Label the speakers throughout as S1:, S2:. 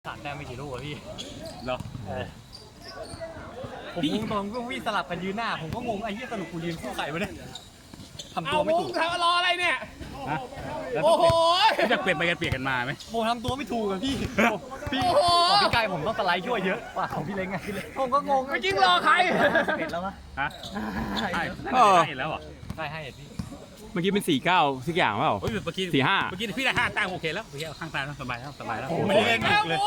S1: ขาดแต้มไม่กี่ลูกอะพี่
S2: เหรอ
S1: ผมงงตอนก็วิ่งสลับกันยืนหน้าผมก็งงไอ้เหี้ยสรุปกูยืนคู่ใครวะเนี่ยทำตัวไม่ถูก
S3: ทำรออะไรเนี่ย
S2: ฮะแล้ว
S3: โอ้โห
S2: จะเปลี่ยนไปกันเปลี่ยนกันมาไหม
S1: ผมทำตัวไม่ถูกอะพี่พี่
S3: โอ้โห
S1: ของพี่ไก่ผมต้องสไลด์ช่วยเยอะกว่าของพี่เล้งไงผมก็งง
S3: ไม่จริงรอใคร
S1: เห็นแล้วมั้ย
S2: ฮะใช่แล้วเหรอ
S1: ได้ให้พี่
S4: เมื่อกี้เป็น4-9สักอย่างเปล่า
S2: เมื่อกี้
S4: 4-5
S2: เมื่อกี้พี่ได้5 แต้มโอเคแล้วโอเคข้างตาแล้วสบายแล้วสบายแล้ว
S3: ไม่ได้เล่นอีกเลย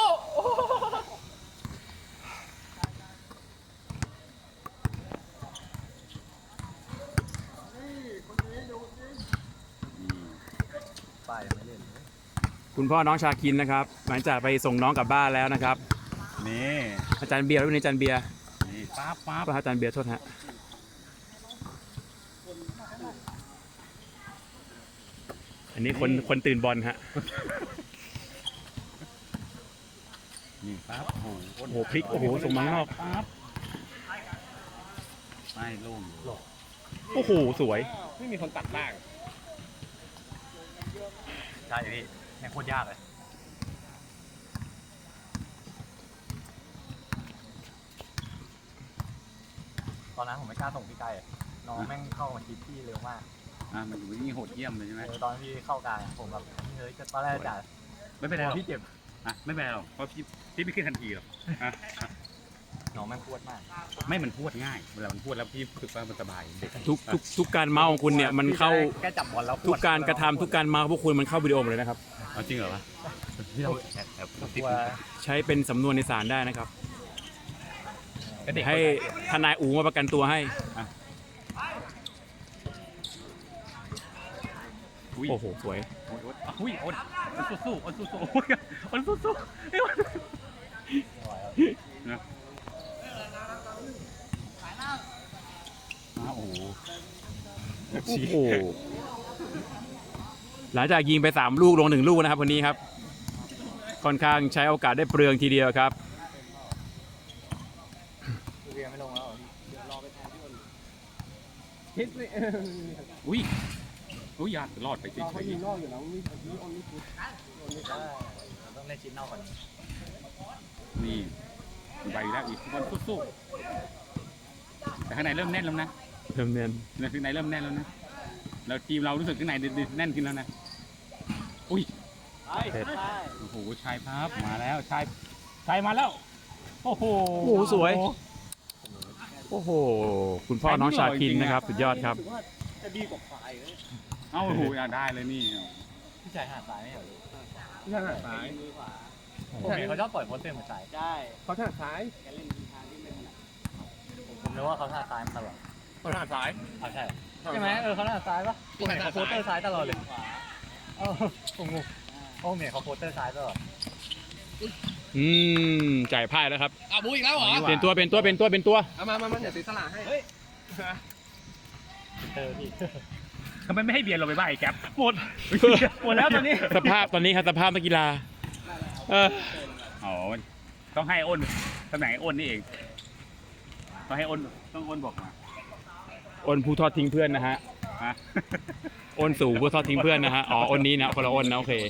S1: ป้ายไม่เล่น
S4: คุณพ่อน้องชาคินนะครับหลังจากไปส่งน้องกลับบ้านแล้วนะครับ
S2: นี่
S4: อาจารย์เบียร์แล้ววันนี้อาจารย์เบียร์
S2: นี่ปั๊บปั๊บ
S4: ก็อาจารย์เบียร์โทษฮะอันนี้คนตื่นบอลฮะ
S2: นี่ปั๊บโอ้โห
S4: โอ้โหพลิกโอ้โหส่งมาข้างนอก
S2: ปั๊บไม่โล่ง
S4: โอ้โหสวย
S3: ไม่มีคนตัดบ้าง
S1: ใช่พี่แม่งโคตรยากเลยตอนนั้นผมไม่กล้าส่งพี่ไก่น้องแม่งเข้ามาชิดพี่เร็วมาก
S2: มันอยู่นี่โหดเยี่ยมเลยใช่ไหม
S1: ตอนที่เข้ากลางผมแบบเฮ้ยตอนแรกจ่า
S2: ไม่เป็นไรหรอก
S1: พี่เจ็บ
S2: ไม่เป็นไรหรอกเพราะพี่ไม่ขึ้นทันทีหรอก
S1: น้องแม่งปวดมาก
S2: ไม่มันพูดง่ายเวลามันพูดแล้วพี่รู้สึกว่ามันสบายเด็ก
S4: ทุกการเมาส์ของคุณเนี่ยมันเข้า
S1: แค่จับบอลแล้ว
S4: ทุกการกระทำทุกการเมาส์ของพวกคุณมันเข้าวิดีโอหมดเลยนะครับ
S2: เอาจริงเหรอวะ
S1: ที่เรา
S2: แอบ
S1: กลัว
S4: ใช้เป็นสำนวนในศาลได้นะครับ
S1: เด็ก
S4: ให้ทนายอูมาประกันตัวให้
S2: อุ้ย
S4: โอ้โหสวย
S2: อุ้ยโอนสู้โอนสู้โอนสู้นะโอ้โห
S4: โอ้โหหลังจากยิงไป3ลูกลง1ลูกนะครับวันนี้ครับค่อนข้างใช้โอกาสได้เปลืองทีเดียวครับ
S1: เรียนไม่ลงแล้ว
S3: คิดสิ
S2: อุ้ยยากรอดไปเฉ
S3: เขา
S2: ย
S3: ยิงนอกอยู่แล้วนี่ออนนี่คือ
S1: ต้องเล่นชิ้นนอกก่อน
S2: ๆนี่ไปแล้วอีกคนสู้แต่ข้างในเริ่มแน่นแล้วนะ
S4: เริ่มเนียน
S2: ข้างในเริ่มแน่นแล้วนะแล้วทีมเรารู้สึกข้างในแน่นขึ้นแล้วนะอุ้ยโอ้โหชายพับมาแล้วชายมาแล้วโอ้โห
S4: โอ้โหสวยโอ้โหคุณพ่อน้องชาคินนะครับสุดยอดครับ
S3: จะดีกว่าฝ่ายเลย
S2: เอ้าโอ้โหได้เลยนี่
S1: พี่ชายหาดซ้ายไม่เหรอ
S3: ที่ทางซ้าย
S1: ผมเห็นเขาชอบปล่อยโพสเต็มเหมือนซ้าย
S5: ได้
S3: เขาทางซ้าย
S5: แกเล่นทางที่ไม่ถนัด
S1: ผมนึกว่าเขาหน้าซ้ายมาตลอด
S3: เขาทางซ้าย
S1: ใช่ใช่ไหมเขาหน้าซ้ายปะผมเห็นเขาโพสเตอร์ซ้ายตลอดเลย
S5: ขวา
S1: ผมงงผมเห็นเขาโพสเตอร์ซ้ายตลอด
S4: จ่ายพ่ายแล้วครับ
S3: บูอีกแล้วเหรอ
S4: เป็นตัว
S3: เอามาเดี๋ยวตีสลาให้
S1: เตอร์พี่
S2: ทำไมไม่ให้เบียร์เราไปบ้าไอ้แก๊ปหมดแล้วตอนนี้
S4: สภาพตอนนี้ครับสภาพนักกีฬา
S2: อ๋อต้องให้อ้นตำแหน่งอ้นนี่เองต้องให้อ้นต้องอ้นบอกมา
S4: อ้นผู้ทอดทิ้งเพื่อนนะฮะ
S2: ฮะ
S4: อ้นสู่ผู้ทอดทิ้งเพื่อนนะฮะอ๋ออ้นนี้นะคนละอ้นนะโอเค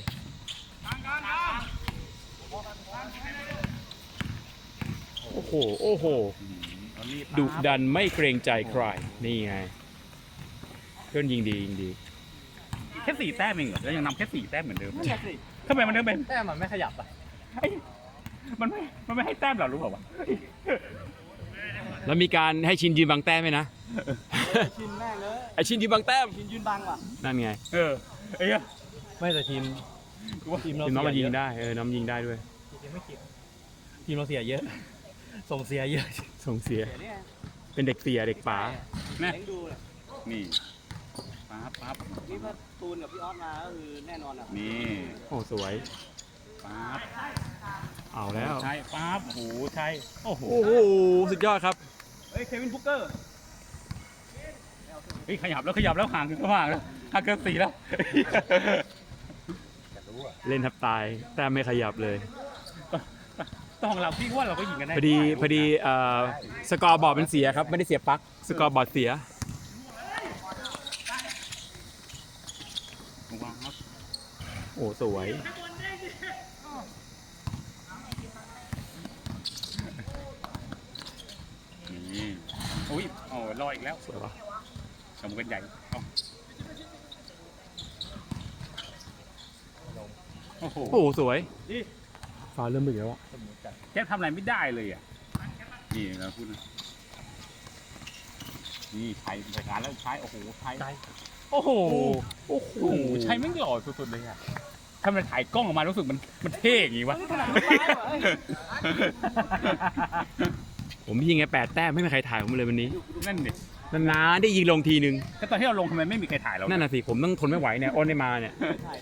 S4: โอ้โหดุดันไม่เกรงใจใครนี่ไงเพื่อนยิงดี
S2: แค่4 แต้มเองเหรอแล้วยังนำแค่4 แต้มเหมือนเดิม
S1: นั่นแหละสิ
S2: ทำไมมันถึงเป็น
S1: แต้มมันไม่ขยับอ่ะ
S2: มันไม่ให้แต้มเรารู้เปล่าวะ
S4: แล้วมีการให้ชินยืนบางแต้มไหมนะ
S5: ชินแม่งเลย
S4: ไอชินยืนบางแต้ม
S5: ชินยืนบังว่ะ
S4: นั่นไง
S2: ไอ้เหี้ย
S1: ไม่แต่ทีม
S4: ทีมน้องมันยิงได้น้องยิงได้ด้วย
S1: ทีมไม่คิดทีมเราเสียเยอะส่งเสียเยอะ
S4: ส่งเสีย
S5: เดี๋ยวนี้
S4: เป็นเด็กเสียเด็กป๋า
S2: นะ
S5: เล้งดูเลย
S2: นี่ปั๊บ
S5: นี่ถ้าตูนกับพี่ออสมาก็คือแน่นอนอ่ะ
S2: นี่
S4: โอ้สวย
S2: ปั๊บ
S4: เอาแล้ว
S2: ใช่ปั๊บโอ้โหใช่โอ้โห
S4: โอ้โหสุดยอดครับ
S5: เฮ้ยเควินบุกเกอร์
S2: ขยับแล้วห่างเกิน4แล้ว
S4: เล่นทับตายแต้มไม่ขยับเลย
S2: ต้องเราพี่ว่าเราก็ยิงกันได้
S4: พอดีสกอร์บอร์ดมันเสียครับไม่ได้เสียปลั๊กสกอร์บอร์ดเสีย โอ้สวย
S2: รออีกแล้ว
S4: สวยปะ
S2: สมกันใหญ่เอ้าโอ้โห
S4: โอ้โหสวยฟ้าเริ่มมืดแล้วอะ
S2: แค่ทำอะไรไม่ได้เลยอ่ะนี่เราพูดนะนี่ใช้รายการแล้วใช้โอ้โหใช้
S4: โอ้โหโอ้โห
S2: โอ้โหใช้ไม่งหล่อสุดๆเลยอ่ะถ้ามันถ่ายกล้องออกมารู้สึกมันเท่อย่างงี้วะ
S4: ผมยิงไง8 แต้มไม่มีใครถ่ายผมเลยวันนี้
S2: นั่นดิ
S4: นานๆได้ยิงลงทีนึง
S2: ก็ตอนที่เราลงทำไมไม่มีใครถ่ายเรา
S4: นั่นน่ะสิผมต้องทนไม่ไหวเนี่ยอ้นได้มาเนี่ย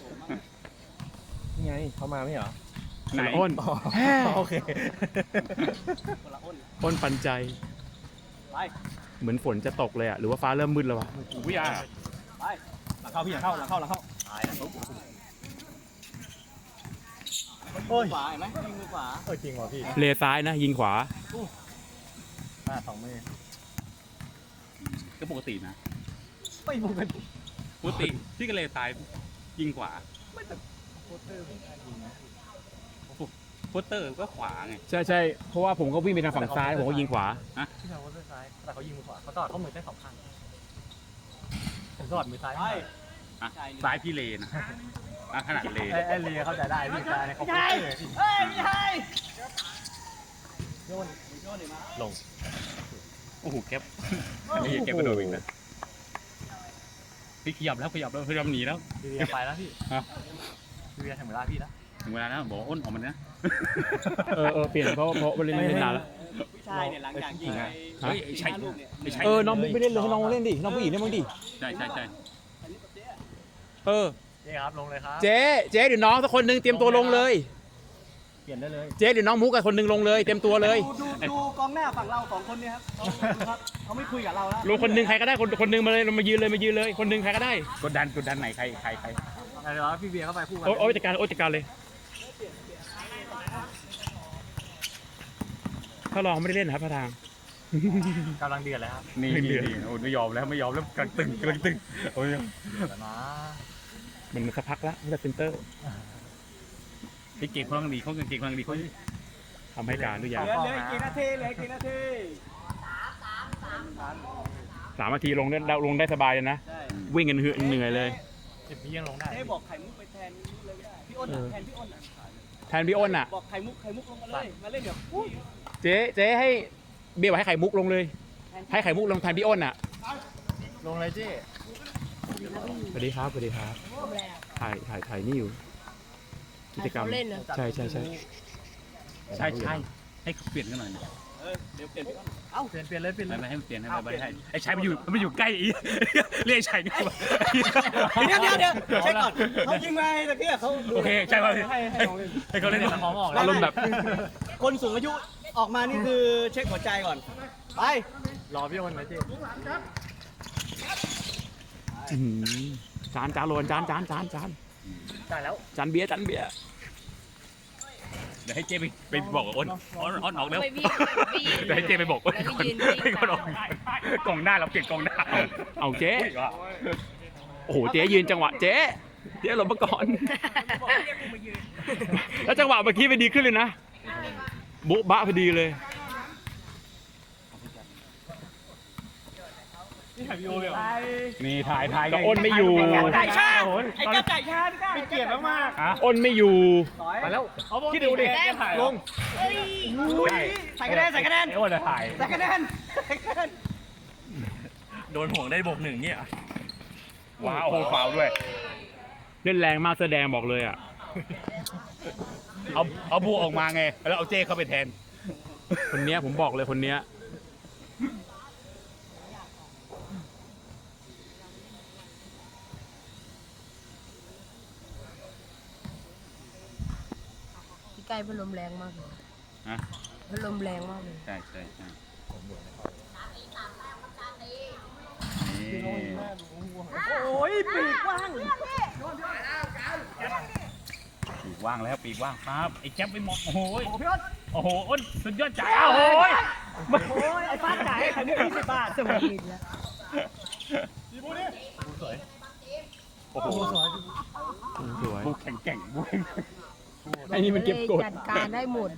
S3: นี่ไงเขามาไม่เหรอ
S2: ไหน
S4: อ้น
S3: โอเค
S5: คนละอ้น
S4: อ้นปันใจ
S5: ไป
S4: เหมือนฝนจะตกเลยอะหรือว่าฟ้าเริ่มมืดแล้ววะ
S2: อุ้ยอ่ะ
S5: ไปหลังเข้าพี่หลังเข้าหลังเข้าหลังเข้าตายแล้วโอ้ยขวาเห็นไหมยิงมือขวา
S3: จริงเหรอพี่
S4: เลซ้ายนะยิงขวา
S3: 2 มือ
S2: ก็ปกตินะ
S5: ไม่ปกติ
S2: ปกติที่กระเลตายยิงขวาโคเตอร์ก็ขวาไง
S4: ใช่ใช่เพราะว่าผมก็วิ่งไปทางฝั่งซ้ายผมก็ยิงขวา
S3: ที่เราก็ซ้ายแต่เขายิงมือขวาเขาตอดเขามือได้2 ข้างผมตอดมือซ้าย
S5: ไป
S2: อ่ะ
S5: ใช่
S2: ซ้ายพี่เลนะอ่ะขนาดเล
S3: ไอ้เลียเข้าใจได้พี่ซ้ายในเขา
S5: ไม่ใช่เฮ้ยไม่ใช่โยนเดี๋ยวมา
S3: ลง
S2: โอ้โหแก๊ปอันนี้แก๊ปกระโดดอีกนะพี่ขยับแล้วขยับหนีแล้ว
S3: พี่เลียไปแล้วพี่
S2: ฮะ
S3: พี่เลียถึงเวลาพี่แล้ว
S2: ถึงเวลาแล้วบอกว่าอ้นออกมานะ
S4: เปลี่ยนเพราะเล่นนานแล้ว
S5: พี่ชายเนี่ยหลังจากยิงไป
S2: เฮ้ยใช่
S5: 5 ลูกเนี่ย
S2: ไม่ใช่
S4: น้องบุ๊กไม่เล่นเลยให้น้องเล่นดิน้องผู้หญิงเล่นบ้างดิ
S2: ใช่ใช่ใช่
S5: อันนี้กับเจ๊
S4: เออ
S3: เจ๊ครับลงเลยครับ
S4: เจ๊เดี๋ยวน้องสักคนนึงเตรียมตัวลงเลย
S3: เปลี่ยนได้เลย
S4: เจ๊เดี๋ยวน้องมุกกับคนนึงลงเลยเตรียมตัวเลย
S5: ดูกองหน้าฝั่งเรา2 คนเนี่ยครับเขาไม่คุยกับเราแล้ว
S4: ลงคนนึงใครก็ได้คนนึงมาเลยมายืนเลยคนนึงใครก็ได้
S2: กดดันไหนใคร
S3: อะไรวะพี่เบียร์เข้าไปคู่กัน
S4: โอ้ยจัดการเลยถ้าลองไม่ได้เล่นนะครับพระทาง
S3: กำลังเดือดเลยครับ
S2: นี่โอ้ไม่ยอมแล้วกำลังตึงโอ้ย
S3: เดือดนะ
S4: มันสักพักแล้วไม่ได้เซนเตอร์
S2: พี่เก่งพลังดีเขาเก่งพลังดีเขา
S4: ทำให้การทุกอย่าง
S5: เหลือกี่นาทีเหลือกี่นาที
S4: 3 นาทีลงได้สบายเลยนะ
S5: ใช่
S4: วิ่งกันเหนื่อยเลย
S3: 10 วิยังลงได้
S5: เจ๊บอกไข่มุกไปแทนเลยก็ได้พี่อ้นแทนพี่อ้น
S4: แทนพี่อ้นอ่ะ
S5: บอกไข่มุกลงมาเลยมาเล่นเดี๋ยว
S4: เจ๊ให้เบียร์บอกให้ไข่มุกลงเลย ให้ไข่มุกลงแทนพี่อ้นอ่ะ
S3: ลงเลยเจ๊
S4: สวัสดีครับถ่ายนี่อยู่กิจกรรม
S6: เขาเล่นเหรอ
S4: ใช่
S2: ใช่ให้เขาเปลี่ยนกันหน่อย
S5: เดี๋ยวเปลี่ยนพี่อ้นเอ้า
S3: เปลี่ยนเลย
S2: ไม่ให้มันเปลี่ยนให้ไอ้ชายมันอยู่ใกล้อีเรียกชายนี่ว่า
S5: เดี๋ยวเช็คก่อนเขายิงมาตะเกียบเขา
S2: โอเคใช่ป่ะ
S3: ให้เขาเล่นสมองออก
S4: อารมณ์แบบ
S5: คนสูงอายุออกมานี่คือเช็คหัวใจก่อนไป
S3: รอพี่อ้นเลยเจ๊
S4: จานโรนจาน
S3: ได้แล้ว
S4: จานเบียร์
S2: เดี๋ยวให้เจ๊ไปบอกอ้นออกแล้ว
S6: ไปวิ่ง
S2: เดี๋ยวให้เจ๊ไปบอกอ้น
S6: แล้วก็ยืน
S2: ให้ก่อนออกกองหน้าเราเปลี่ยนกองหน้า
S4: เอาเจ๊โอ้โหเจ๊ยืนจังหวะเจ๊หลบมาก่อน แล้วจังหวะเมื่อกี้ไปดีขึ้นเลยนะโบ๊ะบะพอดีเลย
S2: นี่ถ่าย
S4: ก็อ้นไม่อยู่
S5: ไก่ชาไอ้เจ้าไก่ชาพี่เกียรติมาก
S4: อ้นไม่อยู่
S5: ไปแล้ว
S3: คิดดูดิลง
S5: ใส่คะแนน
S2: ไอ้อ้นจะถ่าย
S5: ใส่คะแนน
S3: โดนห่วงได้บวก 1เนี่ย
S2: ว้าวโอ้โหฟาวด้วย
S4: เล่นแรงมากแสดงบอกเลยอ่ะ
S2: เอาบูออกมาไงแล้วเอาเจ้เข้าไปแทน
S4: คนเนี้ยผมบอกเลยคนเนี้ย
S6: พี่ไก่พัดลมแรงมากเลย
S2: ฮะ
S6: พัดลมแรงมากเลย
S2: ใช่นี่
S5: โอ้ยปีกกว้าง
S2: ปีกว่างแล้วปีกว่างครับไอ้แจ๊บไปมองโอ้โห
S5: พี่อ้น
S2: โอ้โหอ้นสุดยอดจ่ายโอ้โห
S5: โอ้ยไอ้ฟ้าจ่ายไข่มุก20 บาทสวัสดี
S2: โอ้โห
S4: สวย
S2: บูแข็งบู
S4: ไอ้นี่มันเก็บกด
S6: จัดการได้หมด